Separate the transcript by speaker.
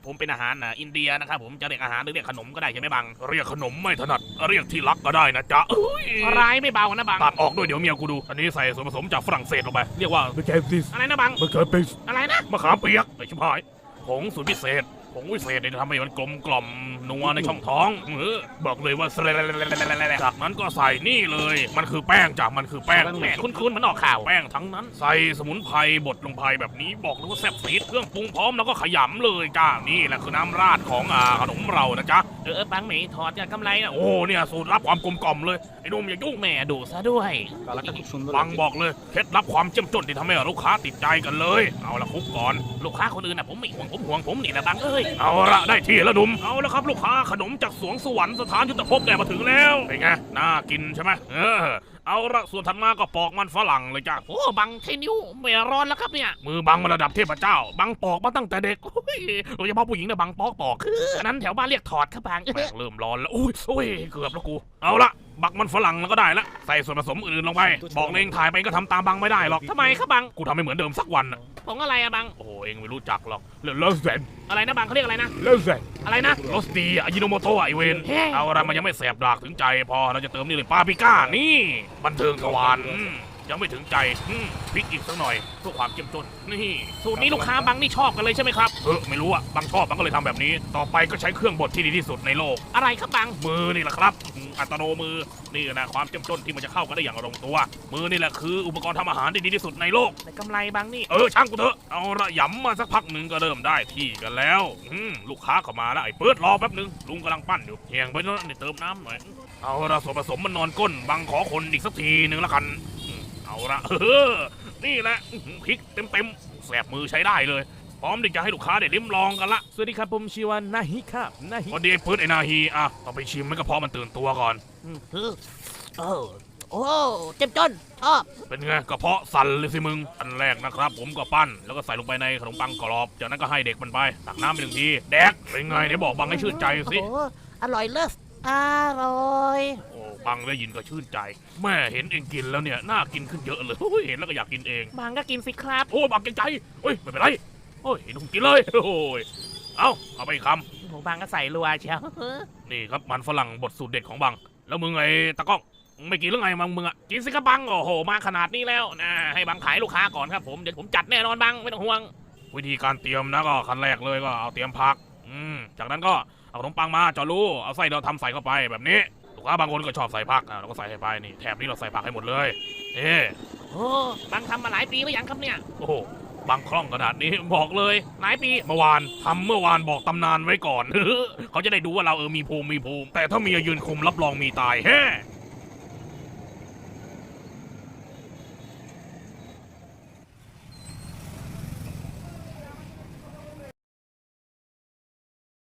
Speaker 1: ผมเป็นอาหารอินเดียนะครับผมจะเรียกอาหารหรือเรียกขนมก็ได้ใช่ไหมบังเรียกขนมไม่ถนัดเรียกที่รักก็ได้นะจ๊ะร้ายไม่เบานะบังตัดออกด้วยเดี๋ยวเมียกูดูอันนี้ใส่ส่วนผสมจากฝรั่งเศสลงไปเรียกว่าม
Speaker 2: ะเขือเทศ
Speaker 1: อะไรนะบัง
Speaker 2: มะเขือเทศ
Speaker 1: อะไรนะมะขามเปียกไอ้ชิบหายผงสูตรพิเศษผงวิเศษเนี่ยจะทำให้มันกลมกล่อมนัวในช่องท้องบอกเลยว่าจากนั้นก็ใส่นี่เลยมันคือแป้งจากมันคือแป้งแหมคุ้นๆมันออกข่าวแป้งทั้งนั้นใส่สมุนไพรบดลงไปแบบนี้บอกเลยว่าแซ่บซีดเครื่องปรุงพร้อมแล้วก็ขยำเลยจ้านี่แหละคือน้ำราดของขนมเรานะจ๊ะบังหมีถอดจากกำไรนะโอ้เนี่ยสูตรลับความกลมกล่อมเลยไอ้นุ่มอย่ายุ่งแม่ดูซะด้วยบังบอกเลยเคล็ดลับความเจ้มจนที่ทำให้ลูกค้าติดใจกันเลยเอาละคุกก่อนลูกค้าคนอื่นนะผมไม่ห่วงผมห่วงผมนี่แหละบังเอ้ยเอาละได้ที่แล้วหนุ่มเอาละครับลูกค้าขนมจากสวงสวรรค์สถานยุทธภพได้มาถึงแล้วเป็นไงน่ากินใช่ไหมเอาละส่วนถัดมาก็ปอกมันฝรั่งเลยจ้ะโอ้บังเทนิ้วไม่ร้อนแล้วครับเนี่ยมือบังมาระดับเทพเจ้าบังปอกมาตั้งแต่เด็กโดยเฉพาะผู้หญิงเนี่ยบังปอกอันนั้นแถวบ้านเรียกถอดครับบังเริ่มร้อนแล้วอุ้ยเกือบแล้วกูเอาละบักมันฝรั่งแล้วก็ได้ละใส่ส่วนผสมอื่นลงไปบอกเองถ่ายไปก็ทำตามบังไม่ได้หรอกทำไมครับบังกูทำให้เหมือนเดิมสักวันผงอะไรอะบังโอ้เองไม่รู้จักหรอกเลอแสนอะไรนะบังเขาเรียกอะไรนะเลอแสนอะไรนะรสดีอายิโนโมโตะไอเวนเอาอะไรมันยังไม่แสบดากถึงใจพอเราจะเติมนี่เลยปาปริก้านี่บันเทิงทวารยังไม่ถึงใจพริกอีกสักหน่อยเพื่อความเข้มข้นนี่สูตรนี้ลูกค้าบังนี่ชอบกันเลยใช่ไหมครับไม่รู้อะบังชอบบังก็เลยทำแบบนี้ต่อไปก็ใช้เครื่องบดที่ดีที่สุดในโลกอะไรครับบังมือนี่แหละครับอัตโนมือนี่นะความเข้มข้นที่มันจะเข้ากันได้อย่างลงตัวมือนี่แหละคืออุปกรณ์ทำอาหารที่ดีที่สุดในโลกแต่กำไรบังนี่ช่างกูเถอะเอาละยำมาสักพักหนึ่งก็เริ่มได้ที่กันแล้วลูกค้าเข้ามาแล้วไอ้เปิดรอแป๊บนึงลุงกำลังปั้นอยู่เฮียงไปแล้วนี่เติมน้ำหน่อยเอาละส่วนผสมมันนอนก้นบังขอคนอีกสักทีหนึ่งละกันเอาละนี่แหละพริกเต็มแสบมือใช้ได้เลยพร้อมที่จะให้ลูกค้าได้ลิ้มลองกันละ
Speaker 2: สวัสดีครับผมชื่อว่านาฮิครับนาฮิ
Speaker 1: พอดีพืชไอ้นาฮีต้องไปชิมไม่กระเพาะมันตื่นตัวก่อน
Speaker 3: โอ้เจ็บจนชอบ
Speaker 1: เป็นไงกระเพาะสั่นเลยสิมึงอันแรกนะครับผมก็ปั้นแล้วก็ใส่ลงไปในขนมปังกรอบจากนั้นก็ให้เด็กมันไปตักน้ำไป1 ทีแดกเป็นไงเดี๋ยวบอกบังให้ชื่นใจสิ
Speaker 3: อร่อยเลิศอร่อย
Speaker 1: โอ้บังได้ยินก็ชื่นใจแม่เห็นเองกินแล้วเนี่ยน่ากินขึ้นเยอะเลยเห็นแล้วก็อยากกินเอง
Speaker 3: บังก็กินสิครับ
Speaker 1: โอ้บังเกรงใจไม่เป็นไรเห็นกินเลยเอาไปคำ
Speaker 3: ผมบังก็ใส่รัวเชียว
Speaker 1: นี่ครับมันฝรั่งบดสูตรเด็ดของบังแล้วมึงไอ้ตะก้องไม่กินหรือไงมึงอ่ะกินสิครับบังโอ้โหมาขนาดนี้แล้วนะให้บังขายลูกค้าก่อนครับผมเดี๋ยวผมจัดแน่นอนบังไม่ต้องห่วงวิธีการเตรียมนะก็ขั้นแรกเลยก็เอาเตรียมผักจากนั้นก็เอาขนมปังมาจอรูเอาไส้เราทำใส่เข้าไปแบบนี้ลูกค้าบางคนก็ชอบใส่ผักเราก็ใส่ไปนี่แถบนี้เราใส่ผักให้หมดเลย
Speaker 3: โอ้บังทำมาหลายปีแล้วยังครับเนี่ย
Speaker 1: โอ้บางคล่องขนาดนี้บอกเลยหลายปีเมื่อวานบอกตำนานไว้ก่อนเขาจะได้ดูว่าเรามีภูมิแต่ถ้ามียืนคุมรับรองมีตาย